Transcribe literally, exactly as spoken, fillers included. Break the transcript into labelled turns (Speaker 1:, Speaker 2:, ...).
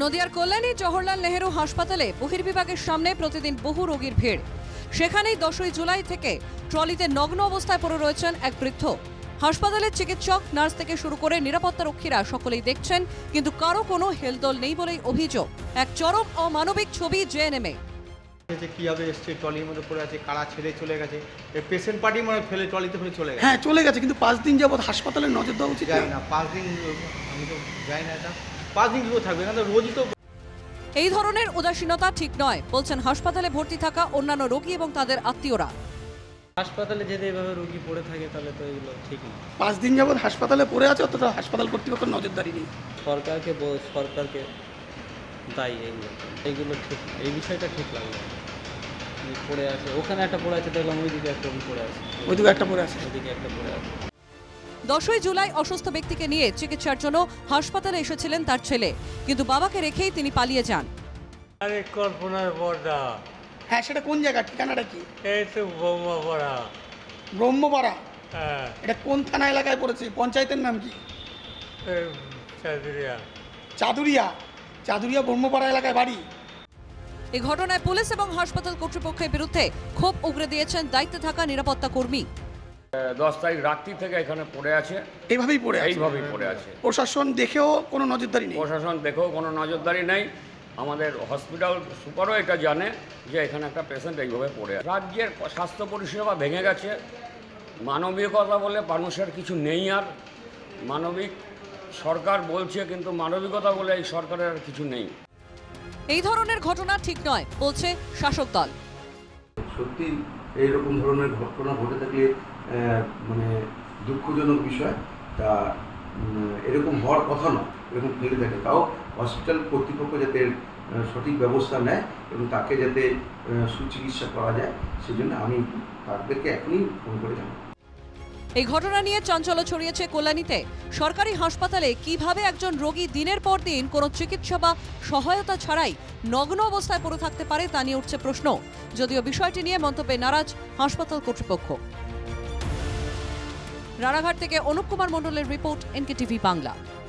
Speaker 1: নদিয়ার কল্যাণী জওহরলাল নেহেরু হাসপাতালে বহির্বিভাগের সামনে প্রতিদিন বহু রোগীর ভিড়। সেখানেই দশই জুলাই থেকে ট্রলিতে নগ্ন অবস্থায় পড়ে রয়েছেন এক বৃদ্ধ। হাসপাতালের চিকিৎসক, নার্স থেকে শুরু করে নিরাপত্তা রক্ষীরা সকলেই দেখছেন, কিন্তু কারো কোনো হেলদোল নেই বলেই অভিযোগ। এক চরম অমানবিক ছবি জেএনএমে।
Speaker 2: কিভাবে এসছে, ট্রলির মধ্যে পড়ে আছে, কারা ছেড়ে চলে গেছে, পেশেন্ট পার্টি মনে ফেলে ট্রলিতে ফেলে চলে গেছে।
Speaker 3: হ্যাঁ চলে গেছে, কিন্তু পাঁচ দিন যাবত হাসপাতালে নজর দেওয়া উচিত
Speaker 2: যাই না, পাঁচ দিন আমি তো যাই না, এটা পাঁচ দিন কীভাবে থাকবে? এখানে তো রোজই তো।
Speaker 1: এই ধরনের উদাসীনতা ঠিক নয় বলছেন হাসপাতালে ভর্তি থাকা অন্যান্য রোগী এবং তাদের আত্মীয়রা।
Speaker 4: হাসপাতালে যদি এভাবে রোগী পড়ে থাকে তাহলে তো এগুলো ঠিক না।
Speaker 3: পাঁচ দিন যাবত হাসপাতালে পড়ে আছে, অতটা হাসপাতাল কর্তৃপক্ষ নজরদারি নেই।
Speaker 4: সরকারকে ব- সরকারকে দায়ী এইগুলো এইগুলো ঠিক, এই বিষয়টা ঠিক লাগলো। যে পড়ে আছে, ওখানে একটা পড়ে আছে দেখলাম, ওইদিকে একটা রোগী পড়ে আছে,
Speaker 3: ওইদিকে একটা পড়ে আছে।
Speaker 4: ওইদিকে একটা পড়ে আছে।
Speaker 1: দশই জুলাই অসুস্থ ব্যক্তিকে নিয়ে চিকিৎসার জন্য হাসপাতালে এসেছিলেন তার ছেলে, কিন্তু বাবাকে রেখেই তিনি পালিয়ে যান।
Speaker 5: আরে কল্পনার বর্দা,
Speaker 3: হ্যাঁ সেটা কোন জায়গা, ঠিকানাটা কি?
Speaker 5: এই তো বোমাপাড়া।
Speaker 3: ব্রহ্মপাড়া।
Speaker 5: হ্যাঁ,
Speaker 3: এটা কোন থানা এলাকায় পড়েছে? পঞ্চায়েতের নাম কি?
Speaker 5: এই চাঁদুরিয়া।
Speaker 3: চাদুরিয়া। চাদুরিয়া ব্রহ্মপাড়া এলাকায় বাড়ি।
Speaker 1: এই ঘটনায় পুলিশ এবং হাসপাতাল কর্তৃপক্ষের বিরুদ্ধে ক্ষোভ উগরে দিয়েছেন দায়িত্বে থাকা নিরাপত্তা কর্মী।
Speaker 6: দশ তারিখ রাত্রি থেকে এখানে পড়ে আছে,
Speaker 3: এইভাবেই পড়ে আছে।
Speaker 6: এইভাবেই পড়ে আছে।
Speaker 3: প্রশাসন দেখেও কোনো নজরদারি নেই।
Speaker 6: প্রশাসন দেখেও কোনো নজরদারি নেই। আমাদের হসপিটাল সুপারও এটা জানে যে এখানে একটা পেশেন্ট এইভাবে পড়ে আছে। রাজ্যের স্বাস্থ্য পরিষেবা ভেঙে গেছে। মানবিকতা বলে মানুষের কিছু নেই। আর মানবিক সরকার বলছে, কিন্তু মানবিকতা বলে এই সরকারের আর কিছু নেই।
Speaker 1: এই ধরনের ঘটনা ঠিক নয় বলছে শাসক দল।
Speaker 7: সত্যি এইরকম ধরনের ঘটনা ঘটে থাকলে আহ, মানে দুঃখজনক বিষয়। তা উম, এরকম হওয়ার কথা নয়, এরকম ফেলে থাকে। তাও হসপিটাল কর্তৃপক্ষ যাতে আহ, সঠিক ব্যবস্থা নেয় এবং তাকে যাতে আহ, সুচিকিৎসা করা যায়, সেজন্য আমি তাদেরকে এখনই ফোন করে জানাবো।
Speaker 1: এই ঘটনা নিয়ে চাঞ্চল্য ছড়িয়েছে কল্যাণীতে। সরকারি হাসপাতালে কিভাবে একজন রোগী দিনের পর দিন কোনো চিকিৎসা বা সহায়তা ছাড়াই নগ্ন অবস্থায় পড়ে থাকতে পারে তা নিয়ে উঠছে প্রশ্ন। যদিও বিষয়টি নিয়ে মন্তব্যে নারাজ হাসপাতাল কর্তৃপক্ষ। রানাঘাট থেকে অনুপ কুমার মণ্ডলের রিপোর্ট, এনকে টিভি বাংলা।